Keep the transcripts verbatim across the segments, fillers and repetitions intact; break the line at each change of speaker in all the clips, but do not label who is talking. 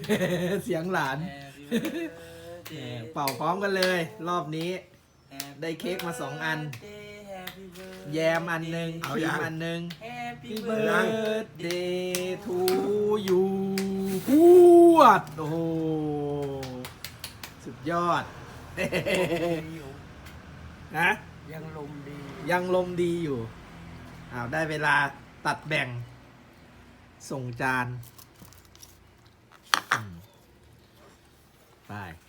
เสียงหลาน เป่าพร้อมกันเลย รอบนี้ ได้เค้กมาสองอัน แยมอันหนึ่งครีมอันหนึ่ง Happy birthday to you พวดโอ้โหสุดยอดนะ
ยังลมดี
ยังลมดีอยู่อ้าวได้เวลาตัดแบ่ง ส่งจานไป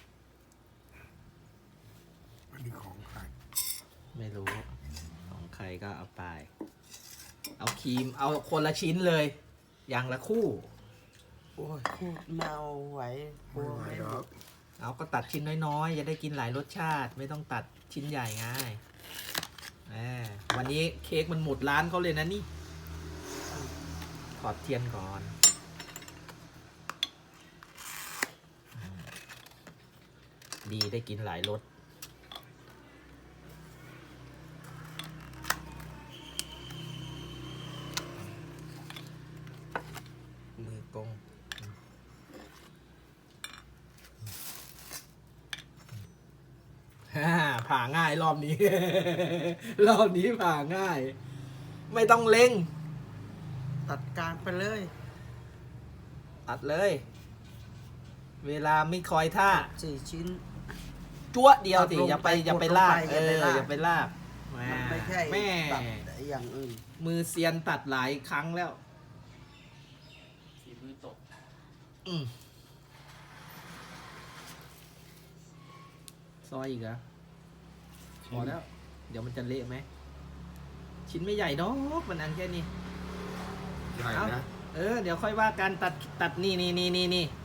อันนี้ของใคร
ไม่รู้ ของใครก็เอาไป เอาครีม เอาคนละชิ้นเลย อย่างละคู่
โอ้ยเมาไหวกลัว
ไม่
ไม่
หร
หม
อก
ด
เอาก็ตัดชิ้นน้อยๆ จะได้กินหลายรสชาติ ไม่ต้องตัดชิ้นใหญ่ง่ายแหมวันนี้เค้กมันหมดร้านเขาเลยนะนี่ ถอดเทียนก่อน ดีได้กินหลายรสมือกงฮ่าผ่าง่ายรอบนี้ รอบนี้ผ่าง่าย ไม่ต้องเล็ง
ตัดกลางไปเลย
ตัดเลย เวลาไม่คอยท่า
สี่ชิ้น
จั่วเดียวสิ
ตัดลง
อย่าไป
ไป
อย่าไป
กดลง
ลาก
ไป
เอ
อย่าไปลาก
ออย่าไปลาก
มันไม่ใช่
แม่
ตัดอย่างอื่น
มือเซียนตัดหลายครั้งแล้ว
สีมือตก
อืมซอยอีกเหรอพอแล้ว เดี๋ยวมันจะเละไหม ชิ้นไม่ใหญ่ดอกมันอันแค่นี้
ใหญ่นะ
เออ เดี๋ยวค่อยว่ากันตัดตัดนี่นี่นี่นี่นี่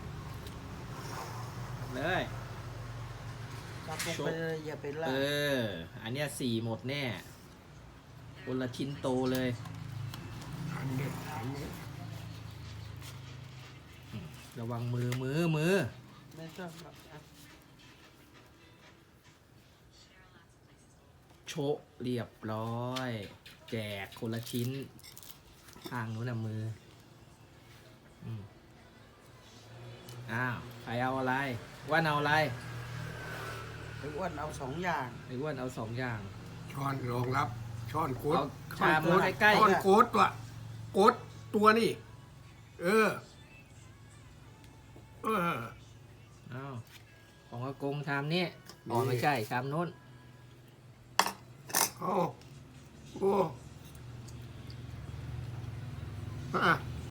เลย
ตัดลงไปเลยอย่าไปลา
เอก อ อันเนี้ยสี่หมดแน่คนละชิ้นโตเลย
อันนี้อันนี้
ระวังมือมือมือ
ไม่ต้องหรอกนะ
โชะเรียบร้อย แจกคนละชิ้น ทางนู้นนะมืออืมอ้าวใครเอาอะไรอ้ว่านเอาอะไร
ไอ้อ้วนเอาสองอย่าง
ไอ้อ้ว่านเอาสองอย่าง
ช้อนรองรับ ช้อนโคต
เอา
ช้อน
ชาม
โค
มา
ต
ใกล้ๆ
ช้อนโคตตัวโคตตัวนี่ เออ เออ
อ้าวของอากงชามนี้อ๋อไม่ใช่ชามนู้น
โอ้โอ้อ่ะ